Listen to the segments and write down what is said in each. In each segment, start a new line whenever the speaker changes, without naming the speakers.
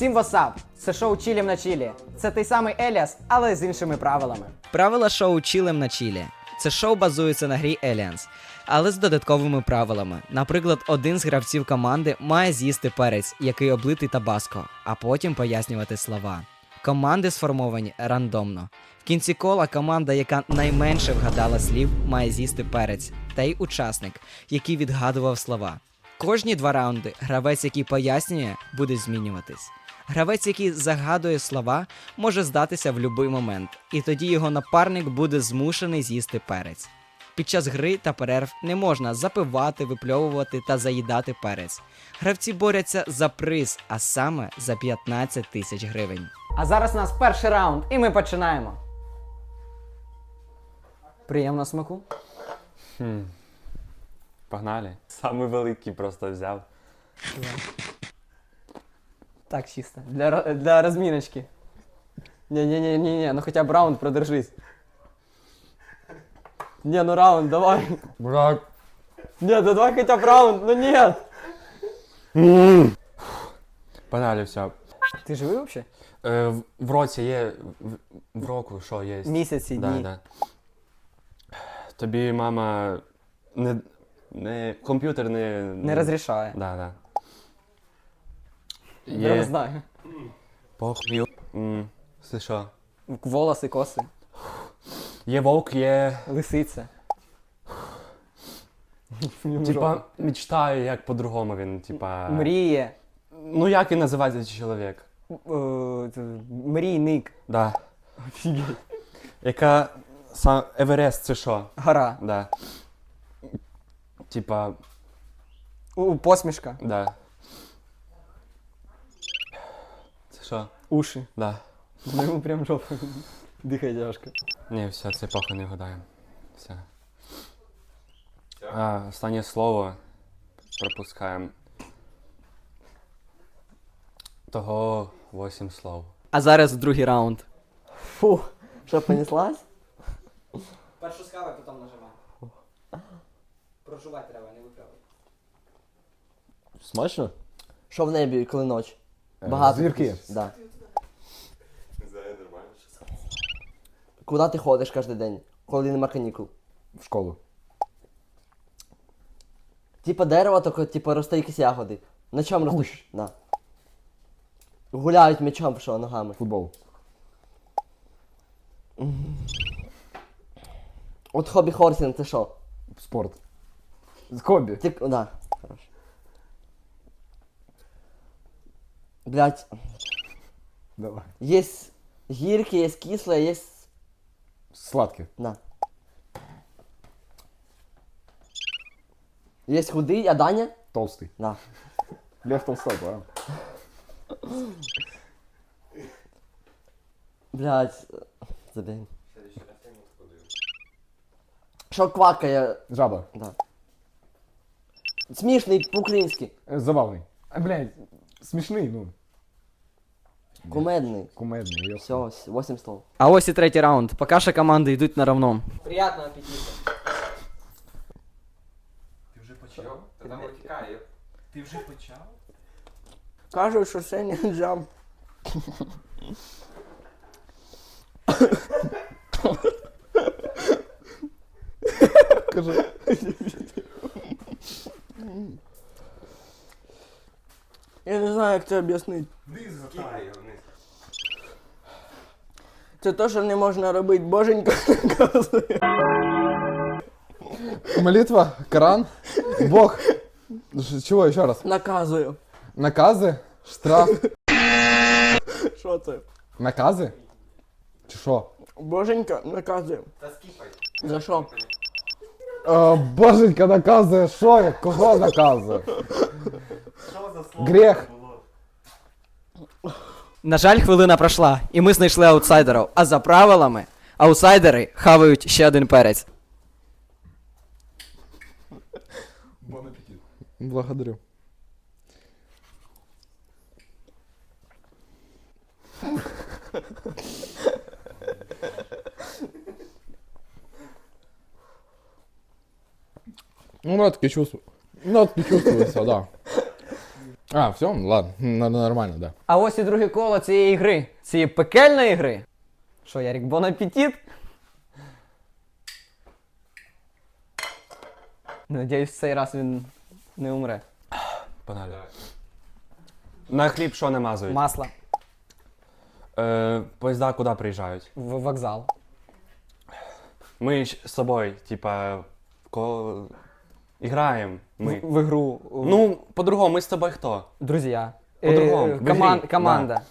Всім васап! Це шоу «Чилім на чилі». Це той самий Еліас, але з іншими правилами.
Правила шоу «Чилим на чилі». Це шоу базується на грі Aliens, але з додатковими правилами. Наприклад, один з гравців команди має з'їсти перець, який облитий табаско, а потім пояснювати слова. Команди сформовані рандомно. В кінці кола команда, яка найменше вгадала слів, має з'їсти перець, та й учасник, який відгадував слова. Кожні 2 раунди гравець, який пояснює, буде змінюватись. Гравець, який загадує слова, може здатися в будь-який момент, і тоді його напарник буде змушений з'їсти перець. Під час гри та перерв не можна запивати, випльовувати та заїдати перець. Гравці борються за приз, а саме за 15 тисяч гривень.
А зараз у нас перший раунд, і ми починаємо. Приємного смаку.
Погнали. Самий великий просто взяв.
Так, чисто. Для розміночки. Ні, ну хоча б раунд продержись. Не, ну раунд, давай.
Брат.
Ні, ну давай хоча б раунд, ну ні.
Погнали, все.
Ти живий взагалі?
В році є. В року що є?
Місяці, дні.
Да. Тобі мама комп'ютер
Не розрішає.
Да.
Я не знаю.
Похуй. Це що?
Волоси, коси,
Є вовк, є.
лисиця.
Типа, мечтаю, як по-другому він, типа.
Мріє.
Ну як він називається цей чоловік?
Мрійник.
Да.
Офігеть.
Яка Еверест, це що?
Гора.
Да. Типа.
Посмішка.
Да. Це що?
Уші.
Да.
Ну йому прям жопа. Дихає тяжко.
Ні, все, це похуй не гадаємо. Все. Останнє слово пропускаємо. Того 8 слов.
А зараз другий раунд.
Фу, що, понеслась?
Першу скавай, потім нажимай. Прожувати треба, не виправити.
Смачно? Що в небі, коли ніч? Багато.
Зірки.
Да. Куди ти ходиш кожен день, коли нема канікул?
В школу.
Типа дерево, тільки типа росте якісь ягоди. На чому ростуть? Да. Гуляють м'ячом, що, ногами.
Футбол.
От хобі хорсінг це що?
Спорт. Хобі.
Да, хорошо. Блять,
Давай.
є гірки, є кисле, є...
Сладке.
На. Є худий, а Даня?
Толстый.
На.
Лев Толстой, правильно?
Блять, забей. Що квакає?
Жаба.
Да. Смішний по-українськи.
Забавный. Блядь, смешный, ну.
Кумедний.
Кумедный. Я...
Все, 8 слов.
А ось і третій раунд. Поки що команди йдуть на равном.
Приятного аппетита. Кажуть, що це не джам.
Скажи.
Я не знаю, як це об'яснити. Це те, що не можна робити, боженька наказує.
Молитва, Коран, Бог. Чего еще раз?
Наказую.
Наказы, штраф,
Що це?
наказы? Чи що?
Боженька наказує. За що?
Боженька наказує, що? Кого наказує? Грех.
На жаль, хвилина пройшла, і ми знайшли аутсайдерів. А за правилами, аутсайдери хавають ще один перець.
Благодарю. Ну, таки чувствую. Ну, таки чувствуется, да. А, все, ладно, нормально, да.
А ось і друге коло цієї гри. Цієї пекельної гри. Що, Ярік, бон апетит? Надіюсь, в цей раз він не умре.
Погнали. На хліб що намазують?
Масло.
Поїзда куди приїжджають?
В вокзал.
Ми ж з собою, типа, граємо. Ми.
В ігру.
Ну, по-другому, ми з тобою хто?
Друзья.
По-другому, в ігрі,
Команда.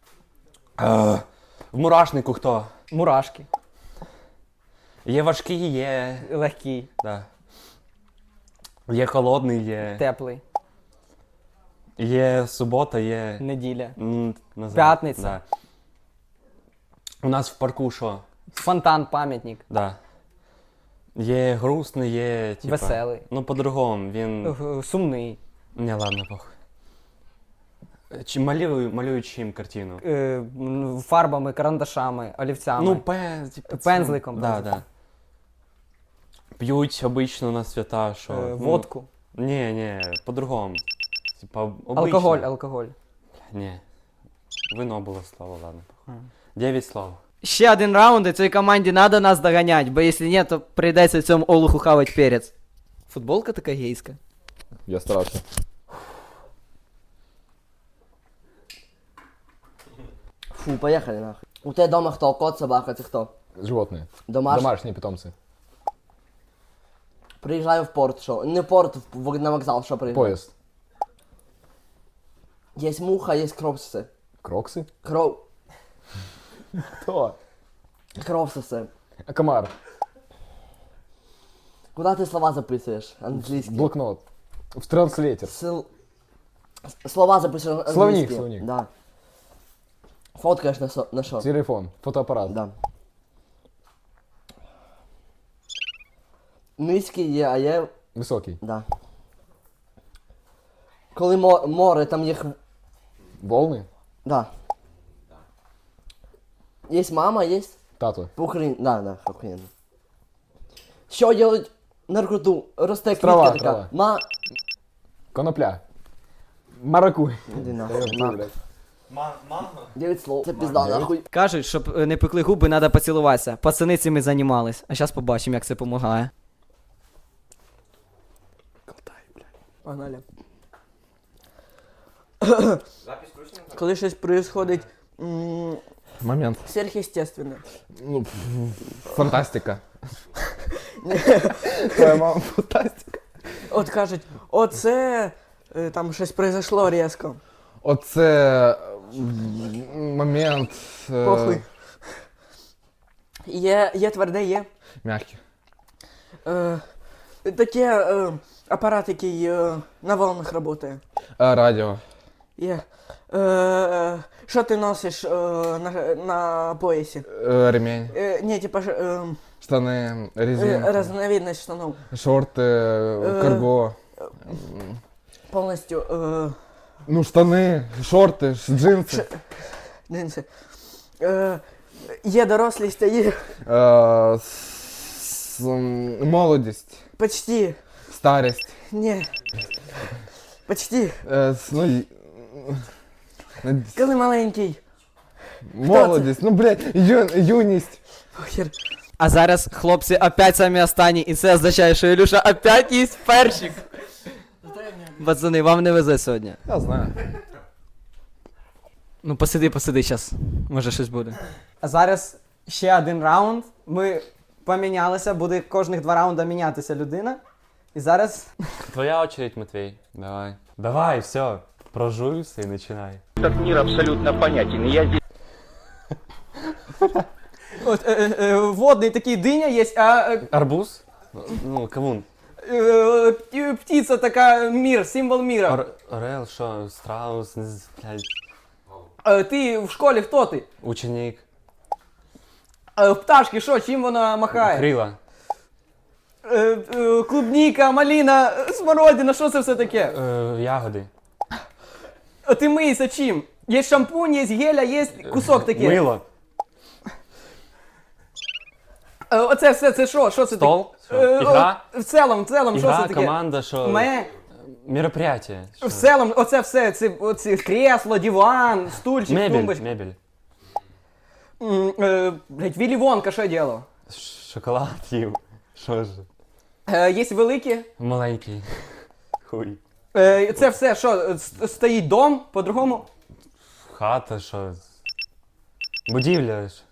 В мурашнику хто?
Мурашки.
Є важкий, є.
Легкий.
Да. Є холодний, є.
Теплий.
Є субота, є.
Неділя.
Назад.
П'ятниця.
Да. У нас в парку що?
Фонтан, пам'ятник.
Да. Є грустний, є. Типа,
Веселий.
Ну, по-другому, він.
Сумний.
Не, ладно, похуй. Чи малюю чим картину?
Фарбами, карандашами, олівцями.
Ну,
Пензликом,
Да,
пензликом.
да. П'ють обично на свята, що.
Водку.
Ні, по-другому. Типа, обично.
Алкоголь.
Ні. Вино було слово, ладно. 9 слов.
Ще один раунд, і цій команді треба нас доганять, бо якщо ні, то прийдеться цьому олуху хавать перець. Футболка така гейська.
Я старався.
Фу, поехали нахуй. У тебя дома кто? Кот, собака, ты кто?
Животные.
Домашний?
Домашние питомцы.
Приезжаю в порт, шо? Не в порт, на вокзал, шо приезжаю?
Поезд.
Есть муха, есть кропсисы.
Кроксы? Кто?
Кропсисы.
А комар?
Куда ты слова записываешь? Английский.
Блокнот. В транслейтер.
Слова записываешь английский.
Словник.
Да. Фоткаешь на шо?
Телефон. Фотоаппарат.
Да. Низький є, а є...
Высокий.
Да. Коли море, там є...
Волны?
Да. Есть мама, есть
Тату.
по-українськи. Да, охуєнно. Що делать наркоту? Росте
Трава,
квітка така.
трава. Конопля. Маракуй.
Іди нахуй. 9 слов. Це пізда, нахуй.
Кажуть, щоб не пекли губи, треба поцілуватися. Пацани цим і займались. А зараз побачимо, як це допомагає.
Погнали. Коли щось происходить
Момент.
сверхъестественне.
Ну, фантастика. Твоя мама фантастика.
От кажуть, оце там щось произошло різко.
Оце момент.
Похуй. Є тверде, є.
Мягкий.
Таке апарат, який на волнах працює.
Радіо.
Є. Що ти носиш на поясі?
Ремень.
Ні, типа
Штани. Резинка.
разновидность штанов.
Шорти. Карго.
Повністю
Ну, штани, шорти, джинси.
джинси. Є дорослість, а є
Молодість.
почти.
Старість.
Ні. Почти.
Ну,
Коли маленький.
молодість. Ну, блядь, юність.
Похер.
А зараз хлопці опять самі останні, і це означає, що Ілюша опять їсть перчик. Пацани, вам не везе сьогодні.
Я знаю.
Ну посиди зараз, може щось буде. А зараз ще один раунд. Ми помінялися, буде кожних 2 раунди мінятися людина. І зараз...
Твоя очередь, Матвей. Давай. Давай, все. Прожуйся и начинай.
Этот мир абсолютно понятен. Я здесь
От, водний такий диня є, а
Арбуз? Ну, кавун.
птиця така мір, символ міра.
Орел, що? Страус, блядь.
Ти в школі хто ти?
Ученик.
Пташки, що, чим вона махає?
Крила.
Клубніка, маліна, смородина, що це все таке?
Ягоди.
Ти мийся чим? Є шампунь, є геля, є кусок такий.
Мило.
Оце все, це що? Що це
Стол?
таке?
Що? Ігра?
В цілому, що
Ігра,
це таке?
команда, що? Мероприятие.
В селом, оце все, оці кресло, диван, стульчик,
Мебель,
тумбочка.
мебель.
Блять, Віллі Вонка що діло?
Шоколад їв. Що ж?
Є великі.
Маленький. Хуй.
Це все, що, стоїть дом, по-другому?
Хата, що? Будівля ж.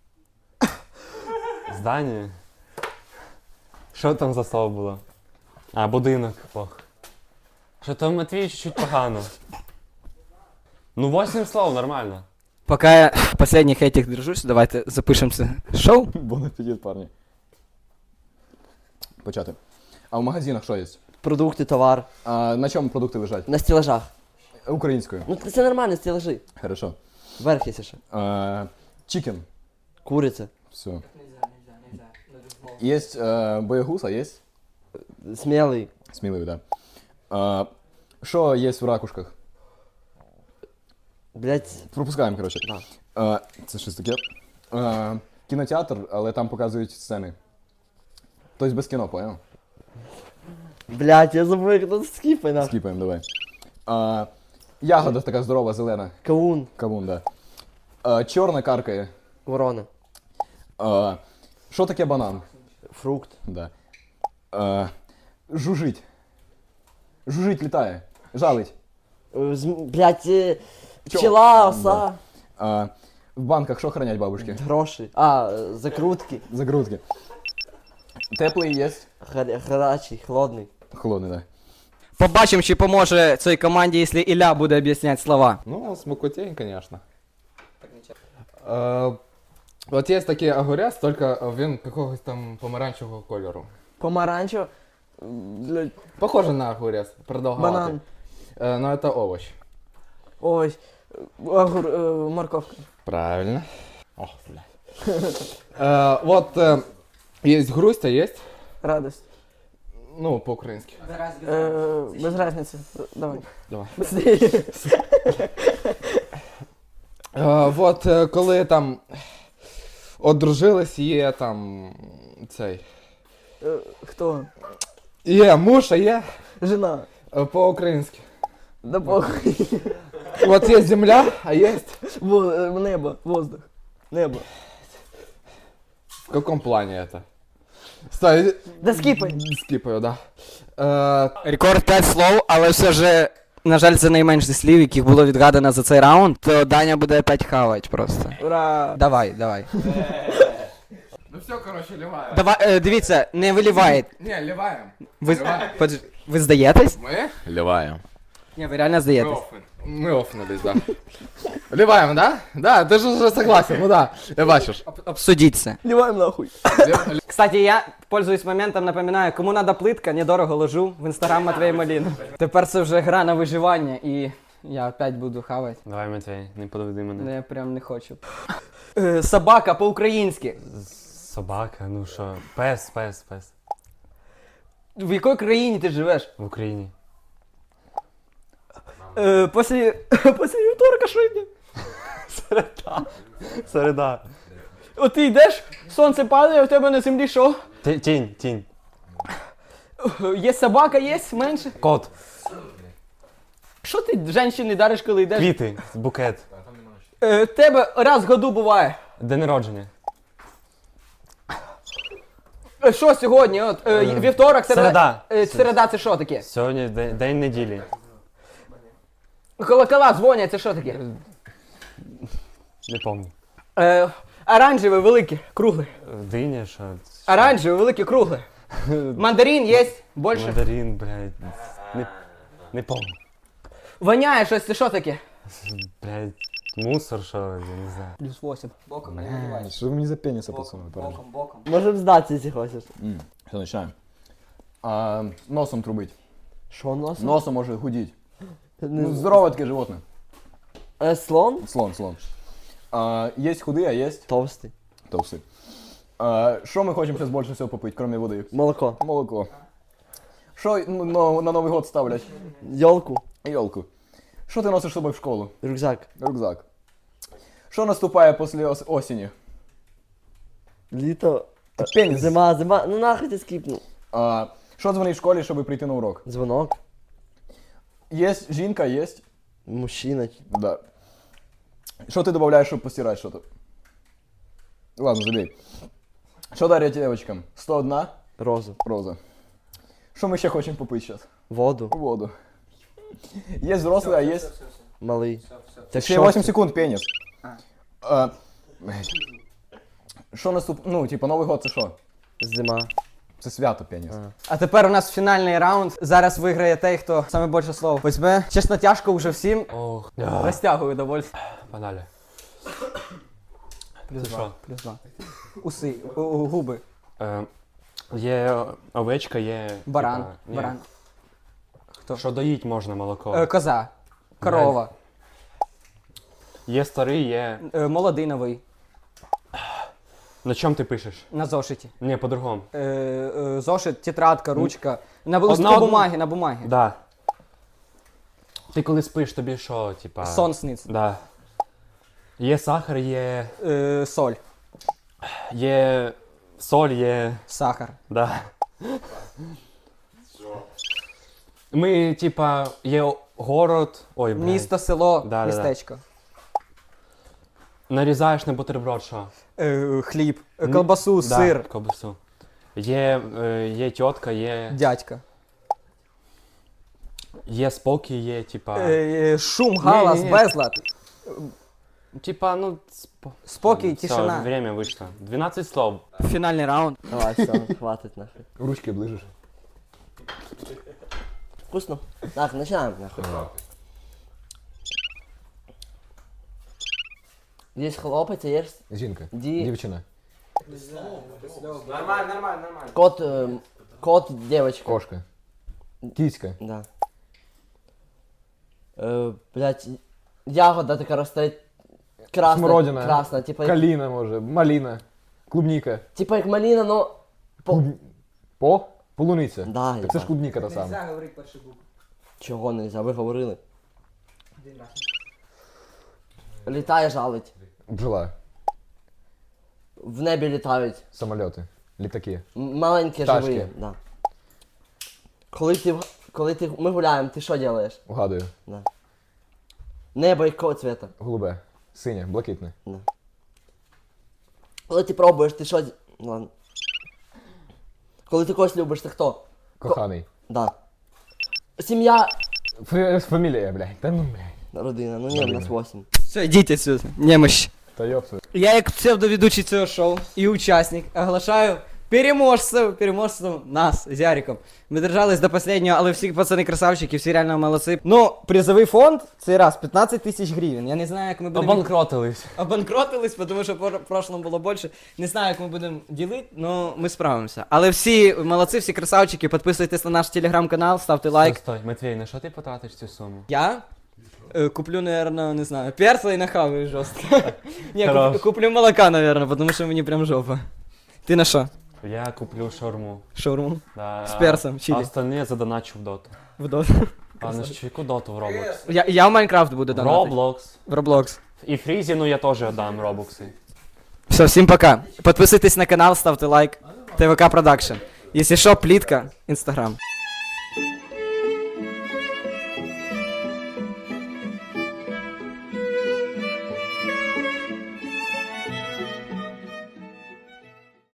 Здання. Що там за слово було? А, будинок. Ох. Що там Матвій чуть-чуть погано. Ну, 8 слов, нормально.
Поки я последніх этих держусь, давайте запишемо це шоу.
Бон аппетит, парні. Почати. А в магазинах що є?
Продукти, товар.
А на чому продукти лежать?
На стелажах.
Українською.
Ну це нормально, стелажі.
Хорошо.
Верх є ще.
Чикен.
Куриця.
Все. Есть боягуз, а есть
Смілий.
сміливий, да. Що є в ракушках?
Блять.
Пропускаємо, коротше. Це щось таке. Кінотеатр, але там показують сцени. Тобто без кіно, поняв?
Блять, я забув, як тут скіпай нахуй.
Скіпаємо, давай. Ягода така здорова, зелена.
Кавун.
Кавун, да. Чорна каркає.
Ворона.
Що таке банан?
Фрукт.
Да. Жужить. Жужить літає. Жалить.
Блять, пчела, оса.
В банках що хранять бабушки?
Гроші. Закрутки.
Загрузки. Теплий є.
Гарячий, холодний.
Холодний, да.
Побачимо, чи поможе цій команді, якщо Ілля буде об'ясняти слова.
Ну, смакотень, конечно. От є такий огурець, тільки він якогось там помаранчевого кольору.
Помаранчево. Блять.
Похоже на огурець, продовгуватий.
Банан.
Но это овощ.
Ой. Морковка.
Правильно. Ох, блядь. Вот есть грусть, а есть,
Радость.
ну, по-українськи.
Без разницы. Давай.
Давай.
Быстрее.
Вот коли там одружились, є там цей.
Кто?
Є муж, а є
Жена.
по-українськи.
Да похуй.
Вот є земля, а є
Небо. Воздух. Небо.
в каком плане это? Стой,
Да скипай.
скипаю, да.
Рекорд 5 слов, але все ж, на жаль, це найменше слів, яких було відгадано за цей раунд, то Даня буде опять хавать просто.
Ура.
Давай.
Ну все, короче, ливаем.
Давай, дивіться, не виливай.
Не, ливаем.
Ви здаєтесь?
Мы? Ливаем.
Ні, ви реально здаєтесь.
Мы офнулись, да. Ливаем, да? Да, ты же уже согласен, ну да. Я бачишь.
Обсудіть це.
Ливаем нахуй.
Кстати, я, пользуюсь моментом, напоминаю, кому надо плитка, недорого ложу в інстаграм Матвей Маліна. Тепер це вже гра на виживання, і я опять буду хавати.
Давай, Матвій, не подведи мене.
Але я прям не хочу. Собака по-українськи.
Собака, ну що? Пес.
В якій країні ти живеш?
В Україні.
Після вівторка що йде?
Середа.
От ти йдеш, сонце падає, у тебе на землі що?
Тінь.
Є собака, є менше.
Кот.
Що ти жінки дариш, коли йдеш?
Квіти. Букет.
Тебе раз в году буває.
День народження.
Що сьогодні? От, вівторок,
Середа.
Середа це що таке?
Сьогодні день неділі.
Колокола дзвонять, це що таке?
Не пам'ятаю.
Оранжеве, велике, кругле.
Диня, що?
Оранжеве, велике, кругле. Мандарин є, більше.
Мандарин, блядь. Не пам'ятаю.
Воняє щось, це що таке?
Блядь, мусор, що, я не знаю.
Плюс 8. Боком,
Что вы мне за пениса подсунули, парни?
боком.
Можем здатися, якщо хочеш.
Все, начинаем. Носом трубить.
Що носом?
Носом может гудить.
Не
Ну,
знаю.
здоровое такое животное.
Слон?
Слон. Есть худые, а есть
Товстий.
толстые. Что мы хотим сейчас больше всего попить, кроме воды?
Молоко.
Молоко. Что на Новый год ставлять?
Йолку.
Елку. Что ты носишь с собой в школу?
Рюкзак.
Рюкзак. Что наступает после осени?
Літо.
Пеніс.
Зима. Ну нахуй ти скіпнув.
Що дзвонить в школі, щоб прийти на урок?
Дзвонок.
Є жінка, є.
Мужчина.
Да. Що ти додаєш, щоб постирати що-то? Ладно, забей. Що дарять девочкам? 101
Розу.
роза. Що ми ще хочемо попити зараз?
Воду.
Воду. Є взрослий, а є...
Малий. Так
Ще 8 секунд, пеніс. Блядь. Що наступ... Ну, типа, Новий год це що?
Зима.
Це свято, пеніс.
А тепер у нас фінальний раунд. Зараз виграє той, хто саме більше слов візьме. Чесно, тяжко вже всім.
Ох,
Розтягую довольство.
погнали.
Плюс
Це
2.
що?
Плюс 2. Уси, губи.
Є овечка, є...
Баран.
типа, ні.
Баран.
Що доїть можна молоко.
Коза. Корова.
Є старий, є...
Молодий новий.
На чому ти пишеш?
На зошиті.
Ні, по-другому.
Зошит, тетрадка, ручка. На
Одна-
листку бумаги, на бумагі.
Да. Ти коли спиш, тобі що, типа...
Сон сниться.
Да. Є сахар, є...
Соль.
Є... Соль, є...
Сахар.
Да. Ми, типа, є город... Ой, блядь.
Місто, село,
Да.
містечко.
Нарізаєш на бутерброд, що?
Хліб, колбасу,
Да,
сир,
ковбасу. Є тітка, є...
дядька.
Є спокій, є, типа...
Шум, галас,
Ні-ні-ні.
безлад.
Типа, ну...
Спокій,
Все,
тишина.
время вийшло. 12 слов.
Фінальний раунд.
Давай, все, хватить нахуй.
Ручки ближиш.
Вкусно? Так, начинаем нахуй. Есть хлопець, а є
Жінка.
Ді-
Дівчина.
кот, кот, девочка.
Кошка. Кіська.
Да. Блять, ягода така росте. Красна.
Смородина.
Красна, типа,
Каліна, може. Маліна. Клубніка.
типа як малина, но...
По? Полуниця.
Да,
Так це ж клубніка та сама.
говорити перший букв.
Чого нельзя, ви говорили. Літає, жалить.
Бджола.
В небі літають.
Самольоти. Літаки.
Маленькі
Пташки.
живі. Да. Ми гуляємо, ти що робиш?
Угадую.
Небо якого цвета?
Голубе. Синє. Блакитне.
Коли ти пробуєш, ти що... Ладно. Коли ти когось любиш, ти хто?
Коханий.
Да. Сім'я...
Фамілія, блядь. Та ну, блядь.
Родина, ну ні, у нас 8.
Все, йдіть отсюда. Немощ.
Та йопсу.
Я як псевдоведучий цього шоу і учасник оголошаю переможцем нас з Яриком. Ми держались до останнього, але всі пацани красавчики, всі реально молодці. Ну, призовий фонд цей раз 15 тисяч гривень. Я не знаю, як ми будемо...
Обанкротились.
Обанкротились, тому що в прошлому було більше. Не знаю, як ми будемо ділити, але ми справимося. Але всі молодці, всі красавчики, підписуйтесь на наш телеграм-канал, ставте лайк.
Стой, Матвій, на що ти потратиш цю суму?
Я куплю, наверное, не знаю, перца и нахаваю жестко. Не,
Хорош.
куплю молока, наверное, потому что мне прям жопа. Ты на что?
Я куплю шаурму.
Шаурму?
Да,
З перцем,
А
чилі.
остальне задоначу в доту.
В доту.
А на яку доту в Roblox?
Я в Майнкрафт буду
В
донатить.
Roblox.
В Roblox.
І Фрізі, ну я теж дам робокси.
Все, всем пока. Подписывайтесь на канал, ставьте лайк. ТВК Продакшн. Если что, плитка, Инстаграм.